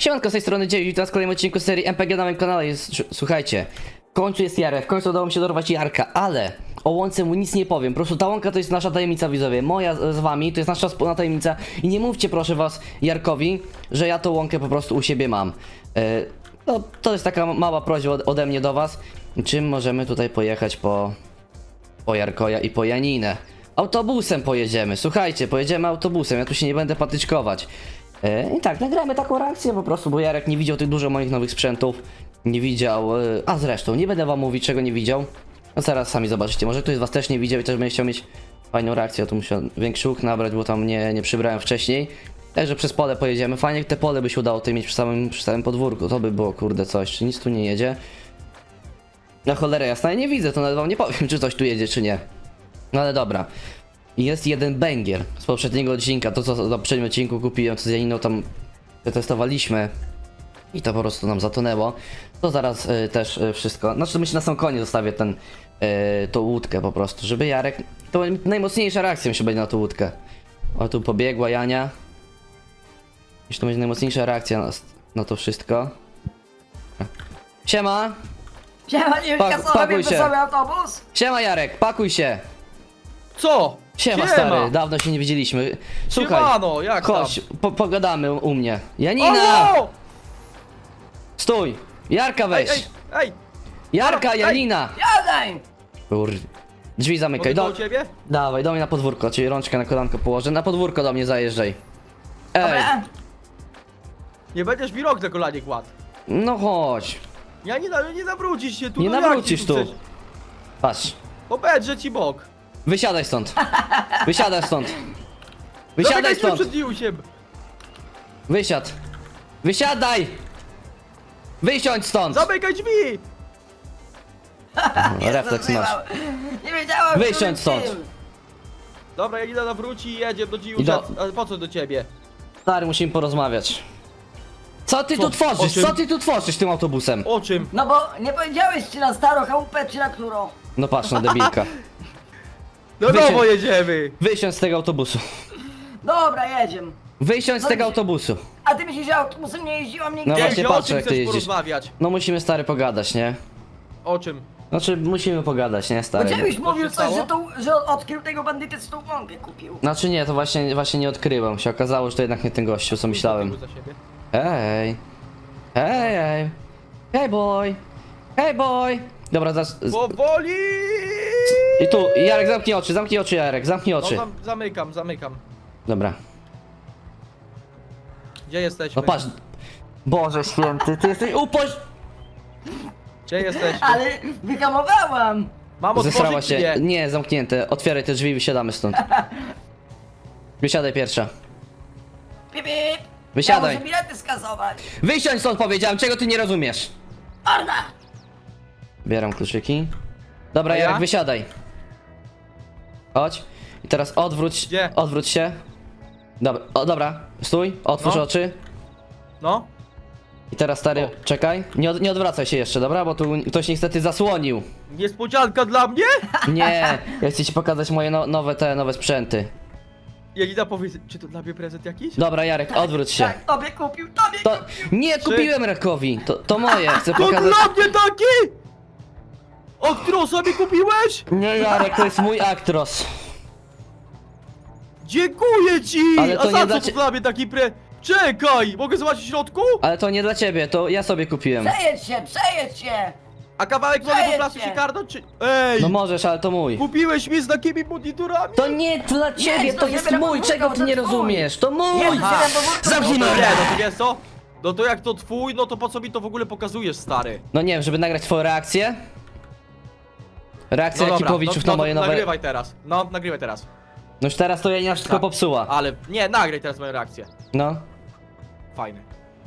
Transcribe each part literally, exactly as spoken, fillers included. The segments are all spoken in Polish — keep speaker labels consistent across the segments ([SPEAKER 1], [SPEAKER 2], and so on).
[SPEAKER 1] Siemanko, z tej strony Dziewić, witam w kolejnym odcinku serii M P G na moim kanale. Jest, słuchajcie, w końcu jest Jarek, w końcu udało mi się dorwać Jarka, ale o łące mu nic nie powiem. Po prostu ta łąka to jest nasza tajemnica, widzowie. Moja z wami, to jest nasza wspólna tajemnica. I nie mówcie proszę was Jarkowi, że ja tą łąkę po prostu u siebie mam. Yy, no, to jest taka mała prośba ode, ode mnie do was. Czym możemy tutaj pojechać po, po Jarkoja i po Janinę? Autobusem pojedziemy, słuchajcie, pojedziemy autobusem, ja tu się nie będę patyczkować. Yy, I tak, nagramy taką reakcję po prostu, bo Jarek nie widział tych dużo moich nowych sprzętów. Nie widział, yy, a zresztą, nie będę wam mówić czego nie widział. No zaraz sami zobaczycie, może ktoś z was też nie widział i też będzie chciał mieć fajną reakcję. Ja tu muszę większy łuk nabrać, bo tam nie, nie przybrałem wcześniej. Także przez pole pojedziemy, fajnie te pole by się udało tutaj mieć przy samym, przy samym podwórku. To by było kurde coś, czy nic tu nie jedzie. Na cholerę jasna, ja nie widzę, to nawet wam nie powiem czy coś tu jedzie czy nie. No ale dobra. Jest jeden bęgier z poprzedniego odcinka, to co na poprzednim odcinku kupiłem, co z Janiną tam przetestowaliśmy i to po prostu nam zatonęło. To zaraz y, też y, wszystko, znaczy myślę na sam koniec zostawię ten, y, tą łódkę po prostu, żeby Jarek, to najmocniejsza reakcja mi się będzie na tą łódkę. O, tu pobiegła Jania. Już to będzie najmocniejsza reakcja na, na to wszystko. Siema!
[SPEAKER 2] Siema, nie
[SPEAKER 1] Pak-
[SPEAKER 2] wiem,
[SPEAKER 1] pakuj
[SPEAKER 2] sobie
[SPEAKER 1] się.
[SPEAKER 2] wesoły autobus.
[SPEAKER 1] Siema Jarek, pakuj się!
[SPEAKER 3] Co?
[SPEAKER 1] Siema, stary, dawno się nie widzieliśmy. Słuchaj,
[SPEAKER 3] Siemano, jak
[SPEAKER 1] chodź, po, pogadamy u, u mnie.
[SPEAKER 3] tam?
[SPEAKER 1] Janina!
[SPEAKER 3] O!
[SPEAKER 1] Stój! Jarka
[SPEAKER 3] Ej,
[SPEAKER 1] weź!
[SPEAKER 3] ej, ej!
[SPEAKER 1] Jarka,
[SPEAKER 3] ej.
[SPEAKER 1] Janina!
[SPEAKER 2] Jadaj!
[SPEAKER 1] Kur... Drzwi zamykaj,
[SPEAKER 3] Mogę
[SPEAKER 1] do...
[SPEAKER 3] do ciebie?
[SPEAKER 1] Dawaj, do mnie na podwórko, czyli rączkę na kolanko położę. Na podwórko do mnie zajeżdżaj. Ej,
[SPEAKER 2] Dobra.
[SPEAKER 3] Nie będziesz mi rok na kolanie kładł.
[SPEAKER 1] no chodź.
[SPEAKER 3] Ja nie, na- nie nawrócisz się tu.
[SPEAKER 1] Nie
[SPEAKER 3] no jak
[SPEAKER 1] nawrócisz
[SPEAKER 3] ty
[SPEAKER 1] tu.
[SPEAKER 3] chcesz?
[SPEAKER 1] Patrz.
[SPEAKER 3] Obedrze ci bok.
[SPEAKER 1] Wysiadaj stąd. Wysiadaj stąd. Wysiadaj
[SPEAKER 3] Zamykaj się
[SPEAKER 1] stąd.
[SPEAKER 3] przed Niusiem.
[SPEAKER 1] Wysiad. Wysiadaj! Wysiądź stąd!
[SPEAKER 3] Zamykaj drzwi!
[SPEAKER 1] No, refleks masz.
[SPEAKER 2] Nie wiedziałem,
[SPEAKER 1] Wysiądź
[SPEAKER 2] którym
[SPEAKER 1] stąd.
[SPEAKER 2] tym.
[SPEAKER 3] Dobra, Janina nawróci i jedzie do
[SPEAKER 1] I
[SPEAKER 3] Niusia.
[SPEAKER 1] do-
[SPEAKER 3] Ale po co do ciebie?
[SPEAKER 1] Stary, musimy porozmawiać. Co ty
[SPEAKER 3] Co?
[SPEAKER 1] tu
[SPEAKER 3] O
[SPEAKER 1] tworzysz?
[SPEAKER 3] czym?
[SPEAKER 1] Co ty tu tworzysz tym autobusem?
[SPEAKER 3] O czym?
[SPEAKER 2] No bo nie powiedziałeś czy na starą chałupę, czy na którą.
[SPEAKER 1] No patrz na debilka.
[SPEAKER 3] No
[SPEAKER 1] Wysiądź.
[SPEAKER 3] nowo jedziemy!
[SPEAKER 1] Wysiądź z tego autobusu.
[SPEAKER 2] Dobra, jedziemy.
[SPEAKER 1] Wysiądź z
[SPEAKER 2] No
[SPEAKER 1] tego
[SPEAKER 2] i-
[SPEAKER 1] autobusu.
[SPEAKER 2] A ty myślisz, że autobusem nie jeździłam nigdy?
[SPEAKER 1] No
[SPEAKER 3] Nie,
[SPEAKER 1] właśnie
[SPEAKER 3] o
[SPEAKER 1] patrzę,
[SPEAKER 3] czym
[SPEAKER 1] jak ty
[SPEAKER 3] chcesz
[SPEAKER 1] jeździsz.
[SPEAKER 3] porozmawiać?
[SPEAKER 1] No musimy stary pogadać, nie?
[SPEAKER 3] O czym?
[SPEAKER 1] Znaczy musimy pogadać, nie
[SPEAKER 2] Bo
[SPEAKER 1] stary?
[SPEAKER 2] Dziewiś mówił
[SPEAKER 3] się
[SPEAKER 2] coś,
[SPEAKER 3] stało?
[SPEAKER 2] że, tą, że odkrył tego bandytę, co tą łąkę kupił.
[SPEAKER 1] Znaczy nie, to właśnie, właśnie nie odkryłem. Się okazało, że to jednak nie ten gościu, co myślałem.
[SPEAKER 3] Za siebie.
[SPEAKER 1] Hej. Hej, hej. Hej boy. Hej boy. Dobra, zaraz. z-
[SPEAKER 3] Powoli!
[SPEAKER 1] I tu, Jarek, zamknij oczy, zamknij oczy, Jarek, zamknij
[SPEAKER 3] No
[SPEAKER 1] oczy.
[SPEAKER 3] zam zamykam, zamykam.
[SPEAKER 1] Dobra.
[SPEAKER 3] Gdzie jesteśmy?
[SPEAKER 1] No patrz. Boże święty, ty jesteś upoś...
[SPEAKER 3] Gdzie jesteśmy?
[SPEAKER 2] Ale wyhamowałam.
[SPEAKER 3] Mam
[SPEAKER 1] Zesrała
[SPEAKER 3] otworzyć czy
[SPEAKER 1] się.
[SPEAKER 3] nie?
[SPEAKER 1] Nie, zamknięte. Otwieraj te drzwi i wysiadamy stąd. Wysiadaj pierwsza.
[SPEAKER 2] Pip, pip.
[SPEAKER 1] Wysiadaj.
[SPEAKER 2] Ja muszę bilety skasować.
[SPEAKER 1] Wysiądź stąd powiedziałem, czego ty nie rozumiesz?
[SPEAKER 2] Orda!
[SPEAKER 1] Bieram kluczyki. Dobra,
[SPEAKER 3] A ja?
[SPEAKER 1] Jarek, wysiadaj. Chodź. I teraz odwróć.
[SPEAKER 3] Gdzie?
[SPEAKER 1] Odwróć się. Dobra, o, dobra. Stój, otwórz
[SPEAKER 3] No.
[SPEAKER 1] oczy.
[SPEAKER 3] No?
[SPEAKER 1] I teraz stary,
[SPEAKER 3] O.
[SPEAKER 1] czekaj. Nie, od, nie odwracaj się jeszcze, dobra? Bo tu ktoś niestety zasłonił.
[SPEAKER 3] Niespodzianka dla mnie?
[SPEAKER 1] Nie, ja chcę ci pokazać moje no, nowe te nowe sprzęty.
[SPEAKER 3] Janina powiedz, czy to dla mnie prezent jakiś?
[SPEAKER 1] Dobra, Jarek, odwróć się.
[SPEAKER 2] Tak, tobie kupił, tobie
[SPEAKER 1] To
[SPEAKER 2] kupił.
[SPEAKER 1] nie kupiłem Rakowi. To, to moje, chcę
[SPEAKER 3] To
[SPEAKER 1] pokazać.
[SPEAKER 3] dla mnie taki! O którą sobie kupiłeś?
[SPEAKER 1] Nie, Jarek, to jest mój Actros.
[SPEAKER 3] Dziękuję ci!
[SPEAKER 1] Ale to
[SPEAKER 3] A
[SPEAKER 1] nie
[SPEAKER 3] za
[SPEAKER 1] dla
[SPEAKER 3] co
[SPEAKER 1] cie-
[SPEAKER 3] to dla mnie taki pre... Czekaj! Mogę zobaczyć w środku?
[SPEAKER 1] Ale to nie dla ciebie, to ja sobie kupiłem.
[SPEAKER 2] Przejedź się, przejedź się.
[SPEAKER 3] A kawałek mogę po
[SPEAKER 2] Przejedź
[SPEAKER 3] placu
[SPEAKER 2] się.
[SPEAKER 3] się karnąć, czy... Ej!
[SPEAKER 1] No możesz, ale to mój.
[SPEAKER 3] Kupiłeś mi z takimi monitorami?
[SPEAKER 1] To nie dla ciebie,
[SPEAKER 2] to
[SPEAKER 1] to
[SPEAKER 2] nie
[SPEAKER 1] jest
[SPEAKER 2] będę
[SPEAKER 1] mój,
[SPEAKER 2] podwórko,
[SPEAKER 1] czego
[SPEAKER 2] to
[SPEAKER 1] ty nie
[SPEAKER 2] twój.
[SPEAKER 1] rozumiesz? To mój!
[SPEAKER 2] Nie,
[SPEAKER 3] Aha.
[SPEAKER 2] to bo
[SPEAKER 1] Zamknij
[SPEAKER 3] No to
[SPEAKER 1] mordę!
[SPEAKER 3] nie, no to wiesz co? No to jak to twój, no to po co mi to w ogóle pokazujesz, stary?
[SPEAKER 1] No nie wiem, żeby nagrać twoją reakcję? Reakcja
[SPEAKER 3] No dobra,
[SPEAKER 1] Jakipowiczów
[SPEAKER 3] no,
[SPEAKER 1] na
[SPEAKER 3] no,
[SPEAKER 1] moje
[SPEAKER 3] to
[SPEAKER 1] nowe...
[SPEAKER 3] nagrywaj teraz. No, nagrywaj teraz.
[SPEAKER 1] No już teraz to Janina wszystko
[SPEAKER 3] Tak.
[SPEAKER 1] popsuła.
[SPEAKER 3] Ale, nie, nagraj teraz moją reakcję.
[SPEAKER 1] No.
[SPEAKER 3] Fajny.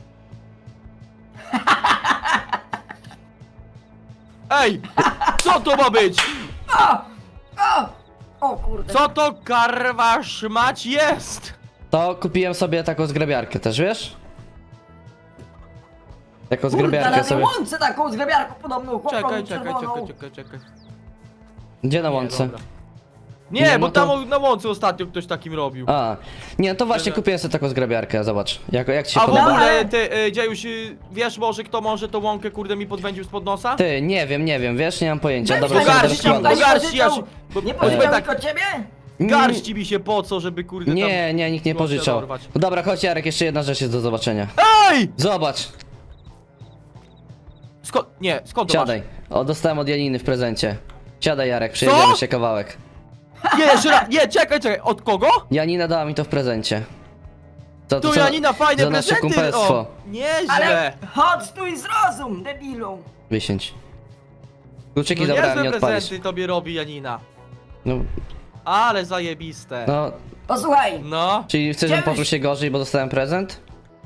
[SPEAKER 3] Ej! Co to ma być?
[SPEAKER 2] O! O! O kurde.
[SPEAKER 3] Co to karwa szmać jest?
[SPEAKER 1] To kupiłem sobie taką zgrabiarkę też, wiesz? Taką
[SPEAKER 2] Kurde,
[SPEAKER 1] zgrabiarkę
[SPEAKER 2] na
[SPEAKER 1] sobie.
[SPEAKER 2] łące taką zgrabiarką podobną, chłopą
[SPEAKER 3] Czekaj, czekaj,
[SPEAKER 2] czerwoną.
[SPEAKER 3] czekaj, czekaj, czekaj.
[SPEAKER 1] Gdzie na
[SPEAKER 3] Nie,
[SPEAKER 1] łące?
[SPEAKER 3] dobra. Nie,
[SPEAKER 1] Nie,
[SPEAKER 3] bo
[SPEAKER 1] no to-
[SPEAKER 3] tam na łące ostatnio ktoś takim robił.
[SPEAKER 1] A, nie, no to właśnie
[SPEAKER 3] Że-
[SPEAKER 1] kupiłem sobie taką zgrabiarkę, zobacz. Jak, jak ci się
[SPEAKER 3] A w
[SPEAKER 1] podoba?
[SPEAKER 3] ogóle,
[SPEAKER 2] ale-
[SPEAKER 3] ty, y, Dziejuś, y, wiesz może kto może tą łąkę kurde mi podwędził spod nosa?
[SPEAKER 1] Ty, nie wiem, nie wiem, wiesz, nie mam pojęcia.
[SPEAKER 2] Weź
[SPEAKER 1] Dobra,
[SPEAKER 2] tak,
[SPEAKER 1] będę
[SPEAKER 3] garści,
[SPEAKER 1] rozkładał.
[SPEAKER 2] nie
[SPEAKER 3] garści, ja się-
[SPEAKER 2] pożyczał-
[SPEAKER 3] bo-
[SPEAKER 2] Nie
[SPEAKER 3] bo-
[SPEAKER 2] pożyczał
[SPEAKER 3] tak-
[SPEAKER 2] tylko ciebie?
[SPEAKER 3] Garści mi się po co, żeby kurde tam...
[SPEAKER 1] Nie, nie, nikt nie
[SPEAKER 3] łąkę
[SPEAKER 1] pożyczał.
[SPEAKER 3] dorwać.
[SPEAKER 1] Dobra, chodź Jarek, jeszcze jedna rzecz jest do zobaczenia.
[SPEAKER 3] Ej!
[SPEAKER 1] Zobacz,
[SPEAKER 3] Skąd, nie, skąd to
[SPEAKER 1] siadaj. O, dostałem od Janiny w prezencie. Siadaj Jarek, przejedziemy się kawałek.
[SPEAKER 3] masz? Nie, jeszcze raz, nie, czekaj, czekaj, od kogo?
[SPEAKER 1] Janina dała mi to w prezencie. To,
[SPEAKER 3] Tu
[SPEAKER 1] co-
[SPEAKER 3] Janina fajne
[SPEAKER 1] za nasze
[SPEAKER 3] prezenty!
[SPEAKER 1] kumpelstwo.
[SPEAKER 3] O, nieźle!
[SPEAKER 2] Ale chodź tu i zrozum, debilu.
[SPEAKER 1] Wysiądź. Kluczyki
[SPEAKER 3] No
[SPEAKER 1] zabrałem, nie
[SPEAKER 3] niezłe
[SPEAKER 1] odpalisz.
[SPEAKER 3] prezenty tobie robi Janina.
[SPEAKER 1] No,
[SPEAKER 3] Ale zajebiste.
[SPEAKER 1] no,
[SPEAKER 2] Posłuchaj,
[SPEAKER 3] No,
[SPEAKER 1] czyli chcesz, żebym
[SPEAKER 2] Dziejuś-
[SPEAKER 1] poczuł się gorzej, bo dostałem prezent?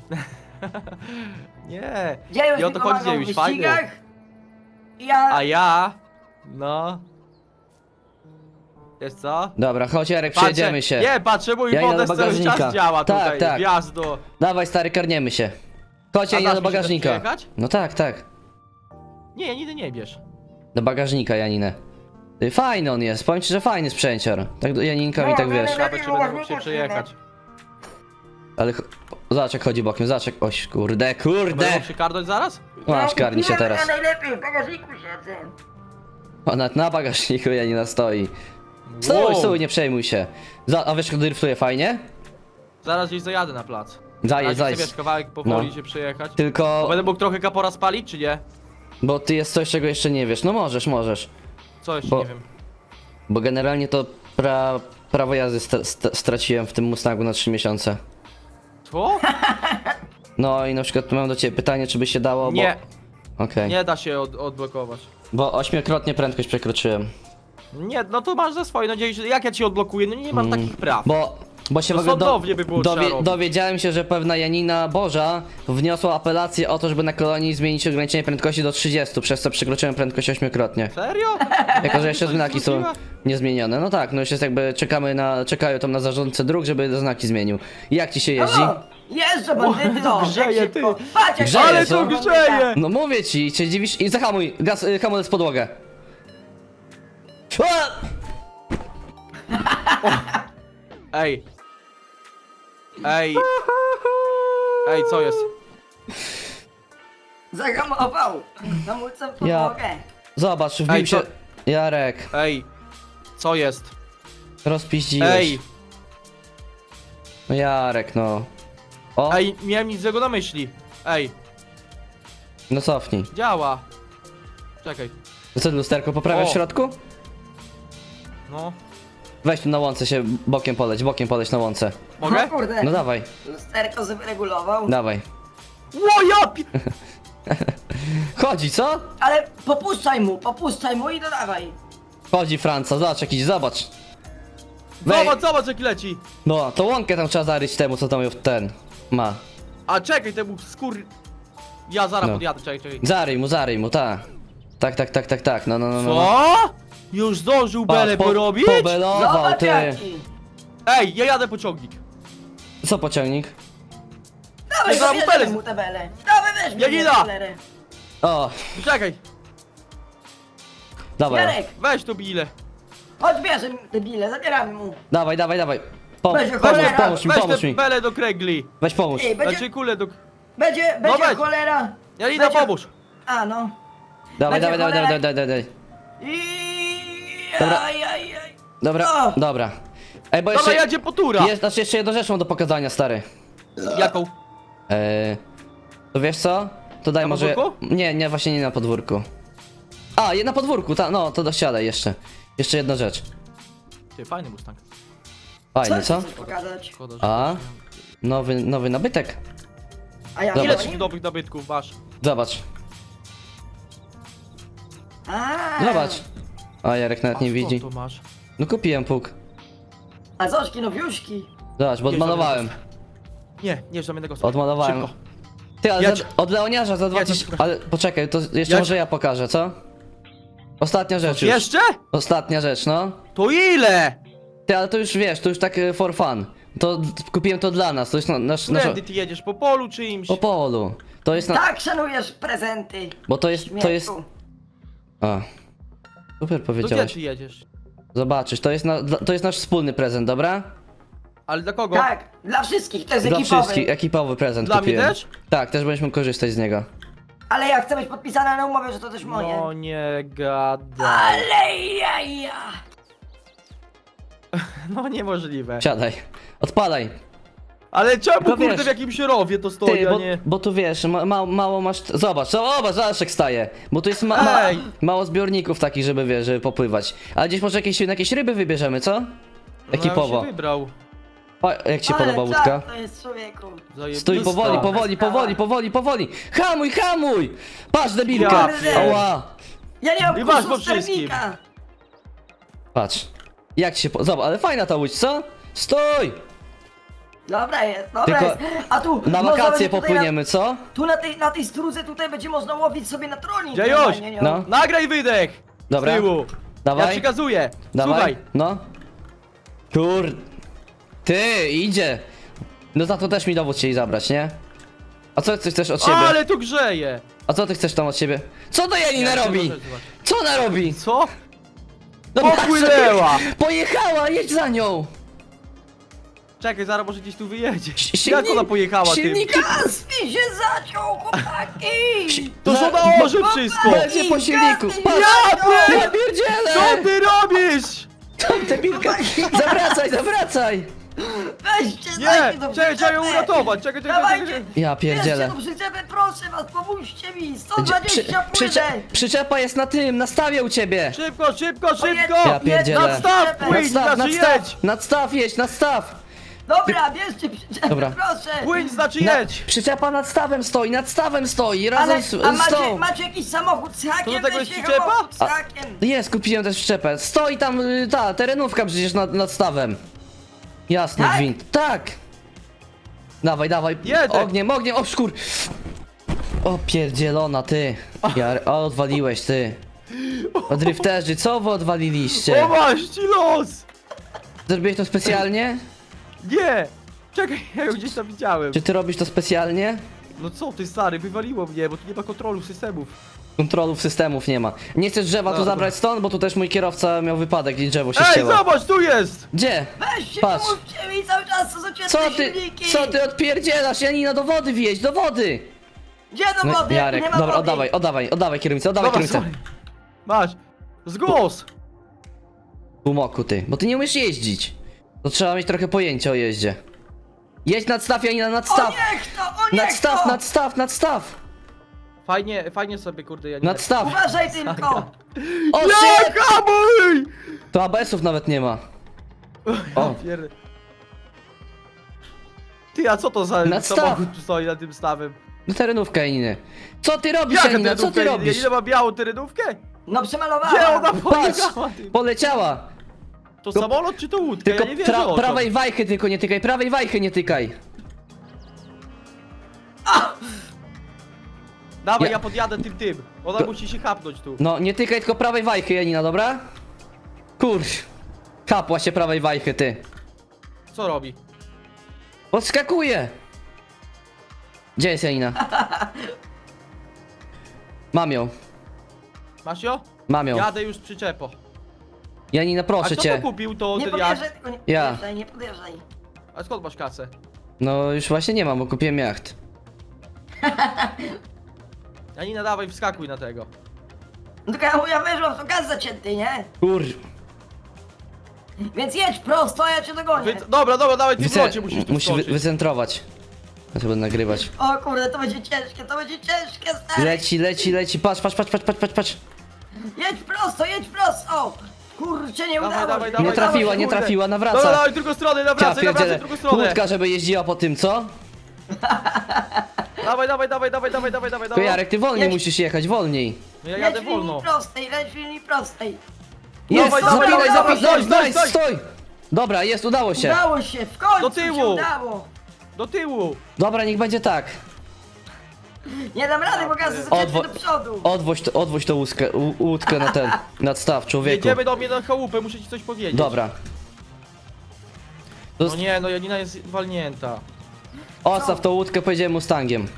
[SPEAKER 3] nie.
[SPEAKER 2] dziejuś
[SPEAKER 3] I o
[SPEAKER 2] mi
[SPEAKER 3] to chodzi,
[SPEAKER 2] pomagał w
[SPEAKER 3] Dziejuś, fajny.
[SPEAKER 2] wyścigach. Ja...
[SPEAKER 3] A ja, no. Wiesz co?
[SPEAKER 1] Dobra, chodź Jarek,
[SPEAKER 3] Patrzę-
[SPEAKER 1] przejedziemy się.
[SPEAKER 3] Nie, patrzę, mój
[SPEAKER 1] Ja idę do
[SPEAKER 3] podest cały
[SPEAKER 1] bagażnika.
[SPEAKER 3] czas działa
[SPEAKER 1] Tak,
[SPEAKER 3] tutaj,
[SPEAKER 1] tak.
[SPEAKER 3] wjazdu.
[SPEAKER 1] Dawaj stary, karniemy się. Chodź
[SPEAKER 3] A
[SPEAKER 1] Janina
[SPEAKER 3] dasz
[SPEAKER 1] do
[SPEAKER 3] mi się też
[SPEAKER 1] bagażnika.
[SPEAKER 3] przyjechać?
[SPEAKER 1] No tak, tak.
[SPEAKER 3] Nie, Janiny nie bierz.
[SPEAKER 1] Do bagażnika Janinę. Ty, fajny on jest, powiem ci, że fajny sprzęcior. Tak do Janinka mi
[SPEAKER 2] No,
[SPEAKER 1] tak
[SPEAKER 2] no,
[SPEAKER 1] wiesz.
[SPEAKER 2] no,
[SPEAKER 3] Nawet czy będę mógł się
[SPEAKER 2] no.
[SPEAKER 3] przejechać.
[SPEAKER 1] Ale ch- zobacz jak chodzi bokiem, zobacz jak... Oś, kurde,
[SPEAKER 3] Będę
[SPEAKER 1] kurde!
[SPEAKER 3] mógł przykardać zaraz?
[SPEAKER 1] Masz, karni się
[SPEAKER 2] Ja
[SPEAKER 1] teraz.
[SPEAKER 2] najlepiej w bagażniku siedzę.
[SPEAKER 1] Ona na bagażniku Janina stoi. Stój,
[SPEAKER 3] Wow.
[SPEAKER 1] stój, nie przejmuj się. Za, a wiesz, kto driftuje fajnie?
[SPEAKER 3] Zaraz gdzieś zajadę na plac.
[SPEAKER 1] Zajedź,
[SPEAKER 3] Chcę,
[SPEAKER 1] zajedź.
[SPEAKER 3] wiesz, kawałek powoli
[SPEAKER 1] No.
[SPEAKER 3] się przejechać.
[SPEAKER 1] Tylko,
[SPEAKER 3] Będę mógł trochę kapora spalić, czy nie?
[SPEAKER 1] bo ty jest coś, czego jeszcze nie wiesz. No możesz, możesz.
[SPEAKER 3] Co jeszcze
[SPEAKER 1] Bo-
[SPEAKER 3] nie wiem.
[SPEAKER 1] Bo generalnie to pra, prawo jazdy st st straciłem w tym Mustangu na trzy miesiące.
[SPEAKER 3] Co?
[SPEAKER 1] No i na przykład mam do ciebie pytanie, czy by się dało, bo...
[SPEAKER 3] Nie,
[SPEAKER 1] Okej.
[SPEAKER 3] nie da się od, odblokować.
[SPEAKER 1] Bo ośmiokrotnie prędkość przekroczyłem.
[SPEAKER 3] Nie, no to masz za swoje, no dziejuś, jak ja ci odblokuję? No nie mam takich praw.
[SPEAKER 1] Bo, bo się
[SPEAKER 3] To
[SPEAKER 1] w ogóle
[SPEAKER 3] sądownie by było trzeba robić.
[SPEAKER 1] dowiedziałem się, że pewna Janina Boża wniosła apelację o to, żeby na kolonii zmienić ograniczenie prędkości do trzydziestu, przez co przekroczyłem prędkość ośmiokrotnie.
[SPEAKER 3] Serio?
[SPEAKER 1] Jako, że jeszcze
[SPEAKER 3] To
[SPEAKER 1] znaki są
[SPEAKER 3] możliwe?
[SPEAKER 1] niezmienione. No tak, no już jest jakby, czekamy na, czekają tam na zarządcę dróg, żeby znaki zmienił. Jak ci się jeździ?
[SPEAKER 2] O, jeżdżę bandyty, no,
[SPEAKER 3] grzeje,
[SPEAKER 2] jak
[SPEAKER 3] ty.
[SPEAKER 2] szybko. Patrz jak
[SPEAKER 1] Grzeje,
[SPEAKER 3] Ale
[SPEAKER 1] co?
[SPEAKER 3] to grzeje!
[SPEAKER 1] No mówię ci, cię dziwisz i zahamuj, gaz, y, hamulec w podłogę. Ua!
[SPEAKER 3] Ej. Ej. Ej, co jest?
[SPEAKER 2] Zahamował. Hamulcem w
[SPEAKER 1] Ja-
[SPEAKER 2] podłogę.
[SPEAKER 1] Zobacz, wbił
[SPEAKER 3] Ej,
[SPEAKER 1] się...
[SPEAKER 3] co-
[SPEAKER 1] Jarek,
[SPEAKER 3] Ej. Co jest?
[SPEAKER 1] rozpiździłeś.
[SPEAKER 3] Ej.
[SPEAKER 1] No Jarek, no. O,
[SPEAKER 3] Ej, miałem nic złego na myśli. Ej,
[SPEAKER 1] no cofnij.
[SPEAKER 3] działa. Czekaj.
[SPEAKER 1] To co, lusterko poprawiasz
[SPEAKER 3] O.
[SPEAKER 1] w środku?
[SPEAKER 3] No.
[SPEAKER 1] Weź tu na łące się, bokiem poleć, bokiem poleć na łące.
[SPEAKER 3] Mogę?
[SPEAKER 2] O kurde.
[SPEAKER 1] No dawaj,
[SPEAKER 2] Lusterko sobie regulował.
[SPEAKER 1] dawaj.
[SPEAKER 3] Ło, ja pi...
[SPEAKER 1] Chodzi, co?
[SPEAKER 2] Ale popuszczaj mu, popuszczaj mu i dodawaj.
[SPEAKER 1] Chodzi Franca, zobacz jakiś, zobacz. Wej-
[SPEAKER 3] Zobacz, zobacz jaki leci.
[SPEAKER 1] No, to łąkę tam trzeba zaryć temu, co tam ją ten ma.
[SPEAKER 3] A czekaj, temu skór... Ja zaraz
[SPEAKER 1] No.
[SPEAKER 3] podjadę, czekaj, czekaj.
[SPEAKER 1] Zaryj mu, zaryj mu, tak. Tak, tak, tak, tak, tak, no, no, no. no.
[SPEAKER 3] Co? Już zdążył
[SPEAKER 1] Patrz,
[SPEAKER 3] belę
[SPEAKER 1] po-
[SPEAKER 3] porobić?
[SPEAKER 1] Pobelował,
[SPEAKER 2] Zobacz
[SPEAKER 1] ty.
[SPEAKER 2] jaki.
[SPEAKER 3] Ej, ja jadę pociągnik.
[SPEAKER 1] Co pociągnik?
[SPEAKER 2] Dawaj,
[SPEAKER 3] Nie, zaraz mu
[SPEAKER 2] zabierzemy
[SPEAKER 3] belę-
[SPEAKER 2] mu te bele. Dawaj, weź mi
[SPEAKER 3] Janina!
[SPEAKER 2] tę belerę.
[SPEAKER 1] O,
[SPEAKER 3] Czekaj,
[SPEAKER 1] dawaj,
[SPEAKER 2] Jarek,
[SPEAKER 3] weź tu bile.
[SPEAKER 2] chodź bierze te bile, zabieramy mu.
[SPEAKER 1] dawaj, dawaj, dawaj. Pom
[SPEAKER 2] Będzie
[SPEAKER 1] pomóż,
[SPEAKER 2] cholera.
[SPEAKER 1] pomóż mi,
[SPEAKER 3] Weź
[SPEAKER 1] pomóż
[SPEAKER 3] te
[SPEAKER 1] mi.
[SPEAKER 3] belę do kręgli.
[SPEAKER 1] Weź pomóż.
[SPEAKER 2] Ej, będzie,
[SPEAKER 3] Znaczy kulę do...
[SPEAKER 2] będzie, będzie
[SPEAKER 3] weź.
[SPEAKER 2] cholera.
[SPEAKER 3] Janina,
[SPEAKER 2] Będzie-
[SPEAKER 3] pomóż.
[SPEAKER 2] A no.
[SPEAKER 1] Dawaj,
[SPEAKER 2] będzie
[SPEAKER 1] dawaj, dawaj,
[SPEAKER 2] cholera.
[SPEAKER 1] dawaj, dawaj, dawaj.
[SPEAKER 2] I...
[SPEAKER 1] Dobra.
[SPEAKER 2] Aj, aj, aj.
[SPEAKER 1] Dobra,
[SPEAKER 2] O!
[SPEAKER 1] dobra. Ej, bo
[SPEAKER 3] Dobra,
[SPEAKER 1] jeszcze...
[SPEAKER 3] jadzie po tura.
[SPEAKER 1] Jest, znaczy jeszcze jedną rzecz mam do pokazania, stary.
[SPEAKER 3] Jaką?
[SPEAKER 1] Eee, to wiesz co? To daj
[SPEAKER 3] Na
[SPEAKER 1] może...
[SPEAKER 3] podwórku?
[SPEAKER 1] Nie, nie, właśnie nie na podwórku. A, je na podwórku, ta, no, to dosiadaj jeszcze. Jeszcze jedna rzecz.
[SPEAKER 3] Ty, fajny Mustang.
[SPEAKER 1] Fajny,
[SPEAKER 2] ci
[SPEAKER 1] co?
[SPEAKER 2] chcesz pokazać?
[SPEAKER 3] Szkoda, że...
[SPEAKER 1] A? Nowy, nowy nabytek.
[SPEAKER 2] A ja
[SPEAKER 1] Zobacz.
[SPEAKER 3] Ile
[SPEAKER 2] dzwonię?
[SPEAKER 3] ci dobrych nabytków masz?
[SPEAKER 1] Zobacz,
[SPEAKER 2] A,
[SPEAKER 1] zobacz. A Jarek nawet
[SPEAKER 3] A
[SPEAKER 1] nie
[SPEAKER 3] skąd
[SPEAKER 1] widzi.
[SPEAKER 3] to masz?
[SPEAKER 1] No kupiłem puk.
[SPEAKER 2] A Zośki nowiuszki.
[SPEAKER 1] Zobacz, bo
[SPEAKER 3] Nie,
[SPEAKER 1] odmalowałem.
[SPEAKER 3] Nie, nie żadnego jednego słowa.
[SPEAKER 1] Odmalowałem.
[SPEAKER 3] Szybko.
[SPEAKER 1] Ty, ale
[SPEAKER 3] Ja
[SPEAKER 1] za,
[SPEAKER 3] ci-
[SPEAKER 1] od Leoniarza za
[SPEAKER 3] Ja
[SPEAKER 1] dwa
[SPEAKER 3] ci-
[SPEAKER 1] tysiące... Ale poczekaj, to jeszcze
[SPEAKER 3] Ja
[SPEAKER 1] może
[SPEAKER 3] ci-
[SPEAKER 1] ja pokażę, co? Ostatnia rzecz już.
[SPEAKER 3] Jeszcze?
[SPEAKER 1] Ostatnia rzecz, no.
[SPEAKER 3] To ile?
[SPEAKER 1] Ty, ale to już wiesz, to już tak e, for fun. To d- kupiłem to dla nas, to jest na, nasz, nasz...
[SPEAKER 3] Którędy ty jedziesz? Po polu czyimś?
[SPEAKER 1] Po polu. To jest na...
[SPEAKER 2] Tak szanujesz prezenty.
[SPEAKER 1] Bo to jest, to jest...
[SPEAKER 2] Śmieszku.
[SPEAKER 1] A. Super
[SPEAKER 3] To gdzie
[SPEAKER 1] powiedziałeś.
[SPEAKER 3] ty jedziesz?
[SPEAKER 1] Zobaczysz, to jest, na, dla- to jest nasz wspólny prezent, dobra?
[SPEAKER 3] Ale dla kogo?
[SPEAKER 2] Tak, dla wszystkich, to jest
[SPEAKER 1] Dla
[SPEAKER 2] ekipowy.
[SPEAKER 1] wszystkich, ekipowy prezent
[SPEAKER 3] Dla mnie
[SPEAKER 1] kupiłem.
[SPEAKER 3] też?
[SPEAKER 1] Tak, też będziemy korzystać z niego.
[SPEAKER 2] Ale ja chcę być podpisana na umowie, że to też moje.
[SPEAKER 3] No nie gadaj.
[SPEAKER 2] Ale ja, ja.
[SPEAKER 3] No niemożliwe.
[SPEAKER 1] Siadaj, odpalaj.
[SPEAKER 3] Ale czemu
[SPEAKER 1] Tylko
[SPEAKER 3] kurde
[SPEAKER 1] wiesz,
[SPEAKER 3] w jakimś rowie to stoi,
[SPEAKER 1] Ty,
[SPEAKER 3] a
[SPEAKER 1] bo,
[SPEAKER 3] nie...
[SPEAKER 1] bo tu wiesz, ma, ma, mało masz... Zobacz, zobacz, zobacz jak staje. Bo tu jest ma, ma,
[SPEAKER 3] Ej!
[SPEAKER 1] mało zbiorników takich, żeby wiesz, żeby popływać. Ale gdzieś może jakieś, jakieś ryby wybierzemy, co?
[SPEAKER 3] No, ja już
[SPEAKER 1] Ekipowo.
[SPEAKER 3] się wybrał.
[SPEAKER 1] O, jak ci
[SPEAKER 2] Ale
[SPEAKER 1] podoba
[SPEAKER 2] czad
[SPEAKER 1] łódka?
[SPEAKER 2] to jest człowieku.
[SPEAKER 3] Zajebista.
[SPEAKER 1] Stój powoli, powoli, powoli, powoli, powoli! Hamuj, hamuj! Patrz, debilka!
[SPEAKER 3] Ja
[SPEAKER 2] pier-
[SPEAKER 1] Ała!
[SPEAKER 2] Ja nie mam
[SPEAKER 3] I masz
[SPEAKER 2] kursu
[SPEAKER 3] po wszystkim.
[SPEAKER 2] sternika.
[SPEAKER 1] Patrz. Jak ci się... Po... Zobacz, ale fajna ta łódź, co? Stój!
[SPEAKER 2] Dobra jest, dobra
[SPEAKER 1] Tylko
[SPEAKER 2] jest. A tu
[SPEAKER 1] Na
[SPEAKER 2] można
[SPEAKER 1] wakacje
[SPEAKER 2] będzie tutaj
[SPEAKER 1] popłyniemy, co?
[SPEAKER 2] Na, tu na tej, na tej strudze tutaj będzie można łowić sobie na tronik.
[SPEAKER 3] Dziejuś!
[SPEAKER 2] normalnie, nie?
[SPEAKER 1] No.
[SPEAKER 3] Nagraj wydech!
[SPEAKER 1] Dobra.
[SPEAKER 3] Z tyłu.
[SPEAKER 1] Dawaj.
[SPEAKER 3] Ja przekazuję.
[SPEAKER 1] Dawaj.
[SPEAKER 3] Słuchaj.
[SPEAKER 1] No. Kur... Ty, idzie! No za to też mi dowód chcieli zabrać, nie? A co ty chcesz od siebie?
[SPEAKER 3] Ale tu grzeje!
[SPEAKER 1] A co ty chcesz tam od siebie? Co to Janina
[SPEAKER 3] Ja
[SPEAKER 1] robi?
[SPEAKER 3] chcę zobaczyć.
[SPEAKER 1] Co ona robi?
[SPEAKER 3] Co?
[SPEAKER 1] No
[SPEAKER 3] Popłynęła!
[SPEAKER 1] patrz, Pojechała, jedź za nią!
[SPEAKER 3] Czekaj, zaraz może gdzieś tu wyjedzie.
[SPEAKER 1] Silnik-
[SPEAKER 3] Jak ona pojechała tym?
[SPEAKER 1] silniki-
[SPEAKER 2] Gaz mi się zaciął, chłopaki!
[SPEAKER 3] To
[SPEAKER 1] Za-
[SPEAKER 3] żona orze wszystko!
[SPEAKER 1] Będzie po silniku,
[SPEAKER 2] Gaz mi się
[SPEAKER 1] patrz!
[SPEAKER 2] zaciął!
[SPEAKER 1] Ja
[SPEAKER 3] Co
[SPEAKER 1] pierdzielę!
[SPEAKER 3] ty robisz?
[SPEAKER 1] Debilka! Zawracaj, zawracaj!
[SPEAKER 2] Weźcie,
[SPEAKER 3] Nie!
[SPEAKER 2] dajcie do
[SPEAKER 3] Czekaj, trzeba ją
[SPEAKER 2] przyczepy.
[SPEAKER 3] uratować! Czekaj, czekaj,
[SPEAKER 2] Dawajcie!
[SPEAKER 3] czekaj!
[SPEAKER 1] Ja pierdzielę.
[SPEAKER 2] Bierzcie do przyczepy, proszę was, pomóżcie mi! sto
[SPEAKER 1] Przy,
[SPEAKER 2] dwadzieścia
[SPEAKER 1] przycze,
[SPEAKER 2] płynę!
[SPEAKER 1] przyczepa jest na tym, na stawie u ciebie!
[SPEAKER 3] Szybko, szybko, szybko!
[SPEAKER 1] Ja pierdzielę.
[SPEAKER 3] Nadstaw, płyń,
[SPEAKER 1] Nadstaw,
[SPEAKER 3] znaczy
[SPEAKER 1] nadstaw,
[SPEAKER 3] jedź!
[SPEAKER 1] nadstaw, jedź, nadstaw!
[SPEAKER 2] Dobra, bierzcie przyczepę,
[SPEAKER 1] Dobra.
[SPEAKER 2] proszę!
[SPEAKER 3] Płyń, znaczy
[SPEAKER 1] Na,
[SPEAKER 3] jedź!
[SPEAKER 1] przyczepa nad stawem stoi, nad stawem stoi, razem
[SPEAKER 2] Ale,
[SPEAKER 1] z,
[SPEAKER 2] a
[SPEAKER 1] z
[SPEAKER 2] macie,
[SPEAKER 1] tą.
[SPEAKER 2] macie jakiś samochód z hakiem?
[SPEAKER 3] To do tego
[SPEAKER 2] Weźcie
[SPEAKER 3] jest przyczepa?
[SPEAKER 2] samochód z hakiem!
[SPEAKER 1] Jest, kupiłem też przyczepę. Stoi tam y, ta terenówka przecież nad, nad stawem. Jasny
[SPEAKER 2] Tak?
[SPEAKER 1] gwint. Tak! Dawaj, dawaj.
[SPEAKER 3] Jedę.
[SPEAKER 1] Ogniem, ogniem, o szkur. O pierdzielona ty. Ja, o, odwaliłeś ty. O drifterzy, co wy odwaliliście?
[SPEAKER 3] O masz ci los!
[SPEAKER 1] Zrobiłeś to specjalnie?
[SPEAKER 3] Nie! Czekaj, ja ją gdzieś tam widziałem.
[SPEAKER 1] Czy ty robisz to specjalnie?
[SPEAKER 3] No co ty stary, wywaliło mnie, bo tu nie ma kontrolu systemów.
[SPEAKER 1] Kontrolów systemów nie ma. Nie chcesz drzewa tu
[SPEAKER 3] Dobra.
[SPEAKER 1] zabrać stąd, bo tu też mój kierowca miał wypadek i drzewo się
[SPEAKER 3] Ej,
[SPEAKER 1] ścięło.
[SPEAKER 3] zobacz, tu jest!
[SPEAKER 1] Gdzie?
[SPEAKER 2] Weźcie,
[SPEAKER 1] Patrz.
[SPEAKER 2] pomóżcie mi cały czas, to są cięte
[SPEAKER 1] Co ty,
[SPEAKER 2] silniki!
[SPEAKER 1] co ty odpierdzielasz? Janina, do wody wjeźdź, do wody!
[SPEAKER 2] Gdzie do
[SPEAKER 1] No,
[SPEAKER 2] wody?
[SPEAKER 1] Jarek,
[SPEAKER 2] nie ma
[SPEAKER 1] dobra,
[SPEAKER 2] wody.
[SPEAKER 1] oddawaj, oddawaj, oddawaj kierownicę, oddawaj
[SPEAKER 3] Dobra,
[SPEAKER 1] kierownicę.
[SPEAKER 3] sorry. Masz. Zgłos!
[SPEAKER 1] Umoku ty, bo ty nie umiesz jeździć. To trzeba mieć trochę pojęcia o jeździe. Jedź nadstaw, Janina,
[SPEAKER 2] O
[SPEAKER 1] nadstaw!
[SPEAKER 2] niech to, o niech
[SPEAKER 1] Nadstaw,
[SPEAKER 2] to!
[SPEAKER 1] nadstaw, nadstaw!
[SPEAKER 3] Fajnie, fajnie sobie kurde, ja nie...
[SPEAKER 1] Nadstaw!
[SPEAKER 2] Uważaj tylko!
[SPEAKER 1] O
[SPEAKER 3] Nie,
[SPEAKER 1] shit!
[SPEAKER 3] hamuj!
[SPEAKER 1] To A B S-ów nawet nie ma. O.
[SPEAKER 3] O. Pierd... Ty, a co to za
[SPEAKER 1] Nadstaw.
[SPEAKER 3] samochód tu stoi na tym stawem?
[SPEAKER 1] No terenówka Janiny. Co ty robisz,
[SPEAKER 3] Jaka
[SPEAKER 1] Janina, co ty
[SPEAKER 3] terenówka?
[SPEAKER 1] robisz?
[SPEAKER 3] Ile ma białą terenówkę?
[SPEAKER 2] No przemalowałam!
[SPEAKER 3] Gdzie ona
[SPEAKER 1] Patrz,
[SPEAKER 3] pojechała? Ty?
[SPEAKER 1] poleciała!
[SPEAKER 3] To
[SPEAKER 1] Tylko-
[SPEAKER 3] samolot czy to łódka?
[SPEAKER 1] Tylko
[SPEAKER 3] Ja nie wierzę
[SPEAKER 1] pra,
[SPEAKER 3] oczom.
[SPEAKER 1] prawej wajchy tylko nie tykaj, prawej wajchy nie tykaj.
[SPEAKER 3] Dawaj,
[SPEAKER 1] Ja-
[SPEAKER 3] ja podjadę tym tym. Ona
[SPEAKER 1] To-
[SPEAKER 3] musi się chapnąć tu.
[SPEAKER 1] No, nie tykaj tylko prawej wajchy, Janina, dobra? Kurcz. Kapła się prawej wajchy, ty.
[SPEAKER 3] Co robi?
[SPEAKER 1] Podskakuje! Gdzie jest Janina? Mam ją,
[SPEAKER 3] Masz ją?
[SPEAKER 1] mam ją.
[SPEAKER 3] Jadę już przyczepo.
[SPEAKER 1] Janina,
[SPEAKER 3] A
[SPEAKER 1] proszę
[SPEAKER 3] kto
[SPEAKER 1] cię.
[SPEAKER 3] to kupił to
[SPEAKER 2] Nie
[SPEAKER 3] ten jak?
[SPEAKER 2] podjeżdżaj, tylko nie
[SPEAKER 1] Ja.
[SPEAKER 2] podjeżdżaj, nie podjeżdżaj.
[SPEAKER 3] A skąd masz kasę?
[SPEAKER 1] No, już właśnie nie mam, bo kupiłem jacht.
[SPEAKER 3] Janina, dawaj, wskakuj na tego.
[SPEAKER 2] No tylko ja mówię, ja wyszłam, to gaz zacięty, nie?
[SPEAKER 1] Kur...
[SPEAKER 2] Więc jedź prosto, a ja cię dogonię.
[SPEAKER 3] Wy... Dobra, dobra, dawaj, ty w
[SPEAKER 1] Wyce...
[SPEAKER 3] locie musisz tu
[SPEAKER 1] Musi wy
[SPEAKER 3] wskoczyć.
[SPEAKER 1] wycentrować. Ja to będę nagrywać.
[SPEAKER 2] O kurde, to będzie ciężkie, to będzie ciężkie, stary.
[SPEAKER 1] Leci, leci, leci, patrz, patrz, patrz, patrz, patrz, patrz, patrz.
[SPEAKER 2] Jedź prosto, jedź prosto! Kurczę, nie
[SPEAKER 3] Dawaj,
[SPEAKER 2] udało
[SPEAKER 3] dawaj,
[SPEAKER 2] się.
[SPEAKER 3] dawaj,
[SPEAKER 1] Nie trafiła, nie
[SPEAKER 3] kurde.
[SPEAKER 1] trafiła,
[SPEAKER 3] Dobra,
[SPEAKER 1] nawraca.
[SPEAKER 3] dawaj, w drugą stronę,
[SPEAKER 1] Ja
[SPEAKER 3] nawracaj, nawracaj w
[SPEAKER 1] pierdzielę.
[SPEAKER 3] drugą stronę.
[SPEAKER 1] Łódka, żeby jeździła po tym, co?
[SPEAKER 3] Dawaj, dawaj, dawaj, dawaj, dawaj, dawaj, dawaj,
[SPEAKER 1] To
[SPEAKER 3] dawaj.
[SPEAKER 1] Jarek, ty wolniej
[SPEAKER 2] Jedź.
[SPEAKER 1] musisz jechać, wolniej.
[SPEAKER 3] No ja
[SPEAKER 2] Leć
[SPEAKER 3] jadę
[SPEAKER 2] w linii
[SPEAKER 3] wolno.
[SPEAKER 2] prostej, leć w linii prostej.
[SPEAKER 1] Jest,
[SPEAKER 3] Dawaj, dawaj,
[SPEAKER 1] zapinaj,
[SPEAKER 3] dawaj,
[SPEAKER 1] zapinaj,
[SPEAKER 3] dawaj,
[SPEAKER 1] nice,
[SPEAKER 3] stój,
[SPEAKER 1] stój! Dobra, jest, udało się.
[SPEAKER 2] Udało się, w końcu
[SPEAKER 3] Do tyłu.
[SPEAKER 2] się udało.
[SPEAKER 3] Do tyłu.
[SPEAKER 1] Dobra, niech będzie tak.
[SPEAKER 2] Nie dam rady, bo gaz jest
[SPEAKER 1] Odwo-
[SPEAKER 2] zacięty do przodu.
[SPEAKER 1] Odwoź, to, odwoź tą łódkę, u- łódkę na ten, nadstaw, człowieku.
[SPEAKER 3] Jedziemy do mnie na chałupę, muszę ci coś powiedzieć.
[SPEAKER 1] Dobra.
[SPEAKER 3] No nie, no Janina jest walnięta.
[SPEAKER 1] Odstaw tą łódkę, pojedziemy Mustangiem.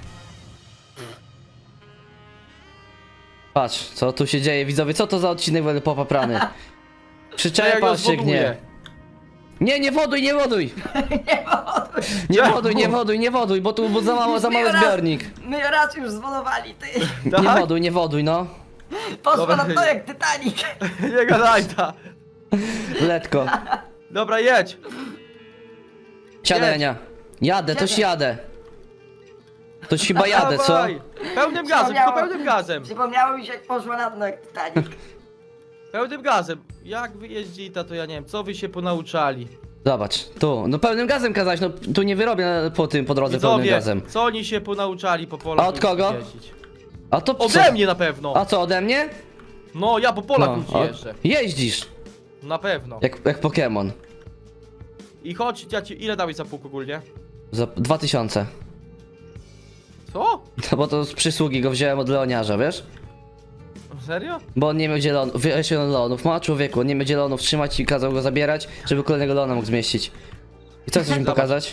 [SPEAKER 1] Patrz, co tu się dzieje, widzowie, co to za odcinek będę popaprany? Przyczepasz się gnie. Nie, nie woduj, nie woduj!
[SPEAKER 2] Nie woduj.
[SPEAKER 1] Nie
[SPEAKER 3] Czemu?
[SPEAKER 1] woduj, nie woduj, nie woduj, bo tu bo za mało, za mały
[SPEAKER 2] My raz-
[SPEAKER 1] zbiornik.
[SPEAKER 2] My raz już zwolowali, ty.
[SPEAKER 1] Nie
[SPEAKER 3] Tak?
[SPEAKER 1] woduj, nie woduj, no.
[SPEAKER 2] Poszło
[SPEAKER 3] Dobra.
[SPEAKER 2] na to jak Titanic.
[SPEAKER 3] Nie gadaj ta.
[SPEAKER 1] Letko.
[SPEAKER 3] Dobra, jedź.
[SPEAKER 1] Siadaj,
[SPEAKER 3] Jedź.
[SPEAKER 1] Ania. Jadę, toś
[SPEAKER 2] Jadę.
[SPEAKER 1] jadę. Toś chyba jadę, co?
[SPEAKER 3] Dawaj. Pełnym gazem, tylko pełnym gazem.
[SPEAKER 2] Przypomniało mi się jak poszło na dno jak Titanic.
[SPEAKER 3] Pełnym gazem. Jak wy jeździta, to ja nie wiem, co wy się ponauczali.
[SPEAKER 1] Zobacz, tu. No pełnym gazem kazać, no tu nie wyrobię po tym, po drodze pełnym
[SPEAKER 3] Widzowie,
[SPEAKER 1] gazem.
[SPEAKER 3] co oni się ponauczali po polach
[SPEAKER 1] A od kogo?
[SPEAKER 3] jeździć?
[SPEAKER 1] A to co?
[SPEAKER 3] Ode mnie na pewno.
[SPEAKER 1] A co, ode mnie?
[SPEAKER 3] No, ja po polach
[SPEAKER 1] No,
[SPEAKER 3] ludzi
[SPEAKER 1] a-
[SPEAKER 3] jeżdżę.
[SPEAKER 1] jeździsz,
[SPEAKER 3] Na pewno.
[SPEAKER 1] jak, jak Pokémon.
[SPEAKER 3] I chodź, ja ci, ile dałeś za pług ogólnie?
[SPEAKER 1] Za dwa tysiące.
[SPEAKER 3] Co?
[SPEAKER 1] No bo to z przysługi go wziąłem od Leoniarza, wiesz?
[SPEAKER 3] Serio?
[SPEAKER 1] Bo on nie miał zielonów, wiesz, on leonów ma, człowieku, on nie miał zielonów trzymać i kazał go zabierać, żeby kolejnego leona mógł zmieścić. I co chcesz mi
[SPEAKER 3] Zobacz.
[SPEAKER 1] pokazać?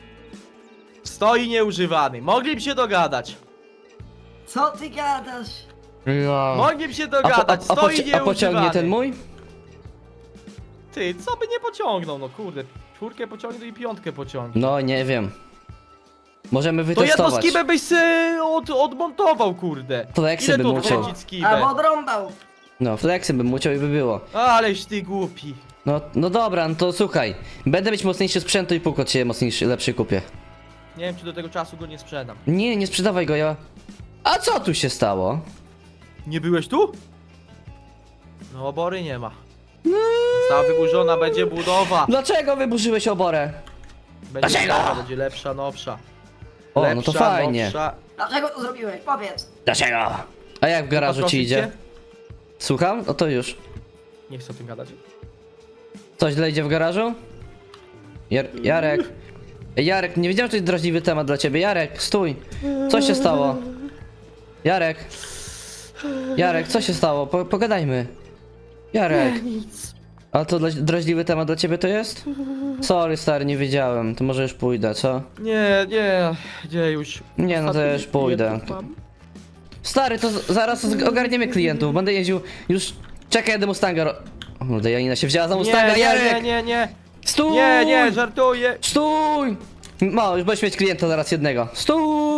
[SPEAKER 3] Stoi nieużywany. Mogliby się dogadać.
[SPEAKER 2] Co ty gadasz?
[SPEAKER 3] Mogliby się
[SPEAKER 1] A, po, a,
[SPEAKER 3] dogadać.
[SPEAKER 1] a,
[SPEAKER 3] Stoi
[SPEAKER 1] poci- a
[SPEAKER 3] nieużywany.
[SPEAKER 1] pociągnie ten mój?
[SPEAKER 3] Ty, co by nie pociągnął, no kurde. Czwórkę pociągnął i piątkę pociągnie.
[SPEAKER 1] No, nie wiem. Możemy
[SPEAKER 3] To jedno
[SPEAKER 1] wytestować.
[SPEAKER 3] skibę byś se od, odmontował, kurde.
[SPEAKER 1] Fleksy
[SPEAKER 3] Ile
[SPEAKER 1] bym
[SPEAKER 3] tu
[SPEAKER 1] musiał.
[SPEAKER 3] wkręcić skibę?
[SPEAKER 2] Albo odrąbał.
[SPEAKER 1] No, flexy bym musiał i by było.
[SPEAKER 3] Aleś ty głupi.
[SPEAKER 1] No, no dobra, no to słuchaj. Będę mieć mocniejszy sprzęt i pół od ciebie mocniejszy, lepszy kupię.
[SPEAKER 3] Nie wiem, czy do tego czasu go nie sprzedam.
[SPEAKER 1] Nie, nie sprzedawaj go, ja... A co tu się stało?
[SPEAKER 3] Nie byłeś tu? No, obory nie ma. Została wyburzona, będzie budowa.
[SPEAKER 1] Dlaczego wyburzyłeś oborę?
[SPEAKER 3] Będzie
[SPEAKER 1] Dlaczego?
[SPEAKER 3] budowa, będzie lepsza, nowsza.
[SPEAKER 1] O,
[SPEAKER 3] Lepsza,
[SPEAKER 1] no to fajnie.
[SPEAKER 3] Nowsza.
[SPEAKER 2] Dlaczego to zrobiłeś? Powiedz.
[SPEAKER 1] Dlaczego? A jak w garażu ci
[SPEAKER 3] Poprosić
[SPEAKER 1] idzie?
[SPEAKER 3] cię?
[SPEAKER 1] Słucham? No to już.
[SPEAKER 3] Nie chcę o tym gadać.
[SPEAKER 1] Coś źle idzie w garażu? Jar Jarek. Ej, Jarek, nie wiedziałem, że to jest drażliwy temat dla ciebie. Jarek, stój. Co się stało? Jarek. Jarek, co się stało? Po pogadajmy. Jarek.
[SPEAKER 3] Nic.
[SPEAKER 1] A to dla drażliwy temat dla ciebie to jest? Sorry, stary, nie wiedziałem. To może już pójdę, co?
[SPEAKER 3] Nie, nie, gdzie już?
[SPEAKER 1] Nie, no to ja już pójdę. Stary, to z- zaraz z- ogarniemy klientów. Będę jeździł już... Czekaj, jadę Mustanga ro... O, kurde, Janina się wzięła za Mustanga,
[SPEAKER 3] Nie, nie,
[SPEAKER 1] Jarek!
[SPEAKER 3] nie, nie, nie,
[SPEAKER 1] Stój!
[SPEAKER 3] nie, nie, żartuję.
[SPEAKER 1] Stój! No, już będziesz mieć klienta zaraz jednego. Stój!